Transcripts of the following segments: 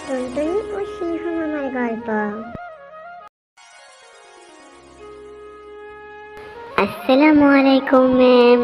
টুনটুনি ও সিংহ মামার গল্প। আসসালামু আলাইকুম ম্যাম।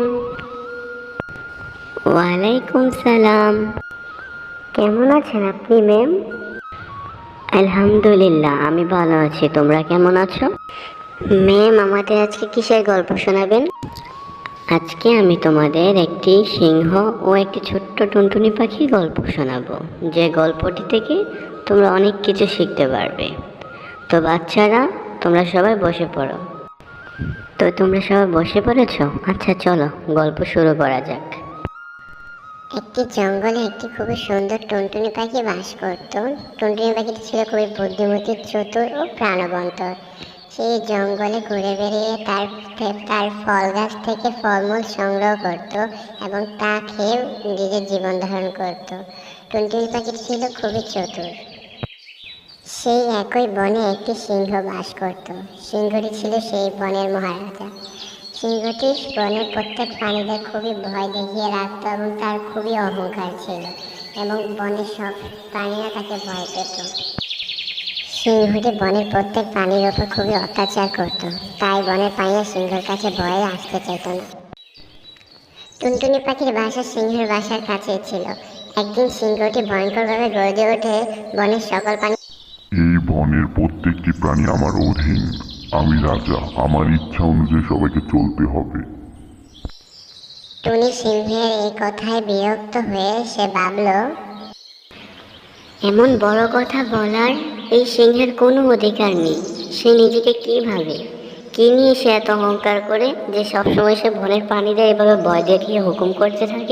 ওয়ালাইকুম সালাম। কেমন আছেন আপনি ম্যাম? আলহামদুলিল্লাহ, আমি ভালো আছি। তোমরা কেমন আছো? ম্যাম, আমাদের আজকে কিসের গল্প শোনাবেন? আজকে আমি তোমাদের একটি সিংহ ও একটি ছোট্ট টুনটুনি পাখির গল্প শোনাবো, যে গল্পটি থেকে তোমরা অনেক কিছু শিখতে পারবে। তো বাচ্চারা, তোমরা সবাই বসে পড়ো। তো তোমরা সবাই বসে পড়েছো? আচ্ছা, চলো গল্প শুরু করা যাক। একটি জঙ্গলে একটি খুবই সুন্দর টুনটুনি পাখি বাস করত। টুনটুনি পাখিটি ছিল খুবই বুদ্ধিমতী, চতুর ও প্রাণবন্ত। সেই জঙ্গলে ঘুরে বেড়িয়ে তার ফল গাছ থেকে ফলমূল সংগ্রহ করত এবং তা খেয়ে নিজের জীবন ধারণ করত। টুনটুনি পাখিটি ছিল খুবই চতুর। সেই একই বনে একটি সিংহ বাস করত। সিংহটি ছিল সেই বনের মহারাজা। সিংহটি বনের প্রত্যেক প্রাণীদের খুবই ভয় দেখিয়ে রাখত এবং তার খুবই অহংকার ছিল এবং বনের সব প্রাণীরা তাকে ভয় পেত। সিংহটি বনের প্রত্যেক প্রাণীর ওপর খুবই অত্যাচার করত, তাই বনের প্রাণীরা সিংহের কাছে ভয়ে আসতে চাইত না। টুনটুনি পাখির বাসা সিংহের বাসার কাছেই ছিল। একদিন সিংহটি ভয়ঙ্করভাবে গর্জে ওঠে, বনের সকল প্রাণী এই বনের প্রত্যেকটি প্রাণী আমার অধীন। আমি রাজা, আমার ইচ্ছা অনুযায়ী সবাইকে চলতে হবে। টুনি সিংহের এই কথায় বিরক্ত হয়ে সে ভাবল, এমন বড় কথা বলার এই সিংহের কোনো অধিকার নেই। সে নিজেকে কি ভাবে, কি নিয়ে সে এত অহংকার করে যে সবসময় সে বনের প্রাণীদের এভাবে ভয় দেখিয়ে হুকুম করতে থাকে।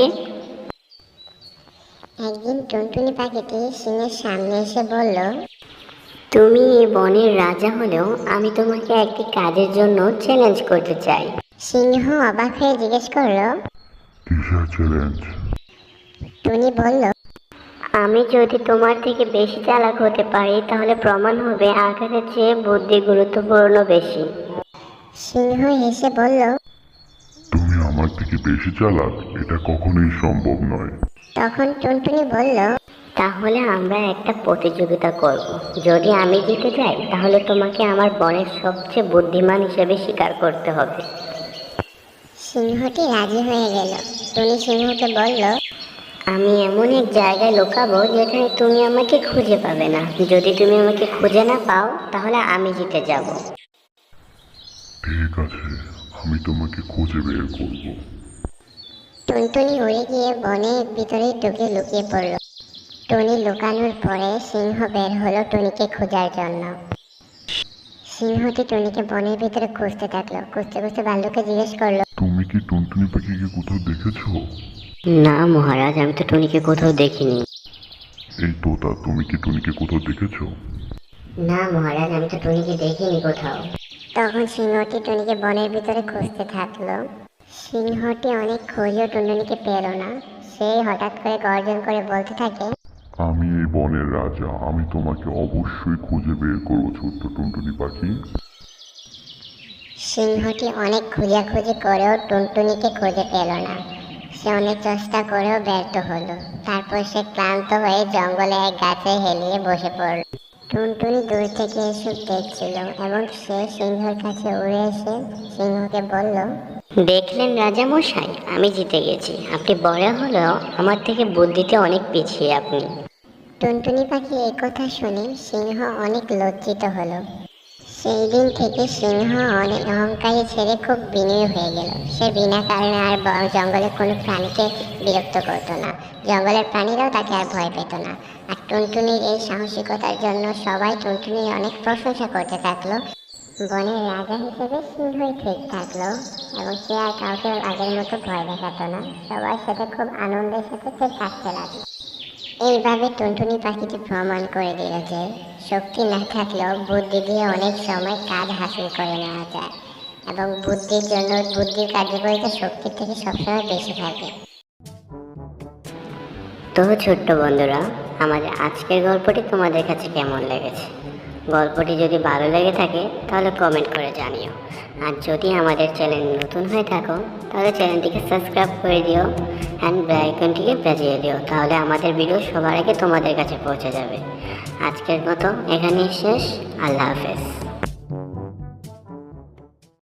একদিন টুনটুনি পাখিটি সিংহের সামনে এসে বলল, তুমি এই বনের রাজা হলেও আমি তোমাকে একটি কাজের জন্য চ্যালেঞ্জ করতে চাই। সিংহ অবাক হয়ে জিজ্ঞেস করলো, কিসের চ্যালেঞ্জ? টুনি বলল, আমি যদি তোমার থেকে বেশি চালাক হতে পারি তাহলে প্রমাণ হবে আকারের চেয়ে বুদ্ধি গুরুত্বপূর্ণ বেশি। সিংহ হেসে বলল, তুমি আমার থেকে বেশি চালাক? এটা কখনোই সম্ভব নয়। তখন টুনটুনি বলল, তাহলে আমরা একটা প্রতিযোগিতা করব। যদি আমি জিতে যাই তাহলে তোমাকে আমার বনের সবচেয়ে বুদ্ধিমান হিসেবে স্বীকার করতে হবে। সিংহটি রাজি হয়ে গেল। টুনি সিংহকে বলল, আমি এমন এক জায়গায় লুকাবো যেখানে তুমি আমাকে খুঁজে পাবে না। যদি তুমি আমাকে খুঁজে না পাও তাহলে আমি জিতে যাব। ঠিক আছে, আমি তোমাকে খুঁজে বের করব। টুনটুনি উড়ে গিয়ে বনের ভিতরে ঢুকে লুকিয়ে পড়ল। টুনি লুকানোর পরে সিংহ বের হলো টুনিকে খোঁজার জন্য। সিংহটি টুনিকে বনের ভিতরে খুঁজতে থাকলো। খুঁজতে খুঁজতে ভাল্লুককে জিজ্ঞেস করলো, তুমি কি টুনটুনি পাখিকে কোথাও দেখেছো? না মহারাজ, আমি তো টুনিকে কোথাও দেখিনি। এই তোতা, তুমি কি টুনিকে কোথাও দেখেছো? না মহারাজ, আমি তো টুনিকে দেখিনি কোথাও। তখন সিংহটি টুনিকে বনের ভিতরে খুঁজতে থাকলো। সিংহটি অনেক খুঁজেও টুনটুনিকে পেল না। সেই হঠাৎ করে গর্জন করে বলতে থাকে, আমি এই বনের রাজা, আমি তোমাকে অবশ্যই খুঁজে বের করবো ছোট্ট টুনটুনি পাখি। সিংহটি অনেক খোঁজাখুঁজি করেও টুনটুনিকে খুঁজে পেল না। সে অনেক চেষ্টা করেও ব্যর্থ হলো। তারপর সে ক্লান্ত হয়ে জঙ্গলে এক গাছে হেলিয়ে বসে পড়ল। টুনটুনি দূর থেকে এসব দেখছিল এবং সে সিংহের কাছে উড়ে এসে সিংহকে বলল, দেখলেন রাজা মশাই, আমি জিতে গেছি। আপনি বড় হলেও আমার থেকে বুদ্ধিতে অনেক পিছিয়ে আপনি। টুনটুনি পাখি এই কথা শুনে সিংহ অনেক লজ্জিত হলো। সেই দিন থেকে সিংহ অনেক অহংকারী ছেড়ে খুব বিনয়ী হয়ে গেল। সে বিনা কারণে আর জঙ্গলের কোনো প্রাণীকে বিরক্ত করতো না। জঙ্গলের প্রাণীরাও তাকে আর ভয় পেত না। আর টুনটুনির এই সাহসিকতার জন্য সবাই টুনটুনির অনেক প্রশংসা করতে থাকলো। বনের রাজা হিসেবে সিংহই ঠিক থাকলো এবং সে আর কাউকে আগের মতো ভয় দেখাতো না। সবার সাথে খুব আনন্দের সাথে সে থাকতে লাগলো। এইভাবে টুনটুনি পাখিটি প্রমাণ করে দিল যে শক্তি না থাকলেও বুদ্ধি দিয়ে অনেক সময় কাজ হাসিল করে নেওয়া যায় এবং বুদ্ধির কার্যকারিতা শক্তির থেকে সবসময় বেশি থাকে। তো ছোট্ট বন্ধুরা, আমাদের আজকের গল্পটি তোমাদের কাছে কেমন লেগেছে গল্পটি যদি ভালো লেগে থাকে তাহলে কমেন্ট করে জানিও। আর যদি আমাদের চ্যানেল নতুন হয়ে থাকো তাহলে চ্যানেলটিকে সাবস্ক্রাইব করে দিও অ্যান্ড বেল আইকনটিকে বাজিয়ে দিও, তাহলে আমাদের ভিডিও সবার আগে তোমাদের কাছে পৌঁছে যাবে। আজকের মতো এখানেই শেষ। আল্লাহ হাফেজ।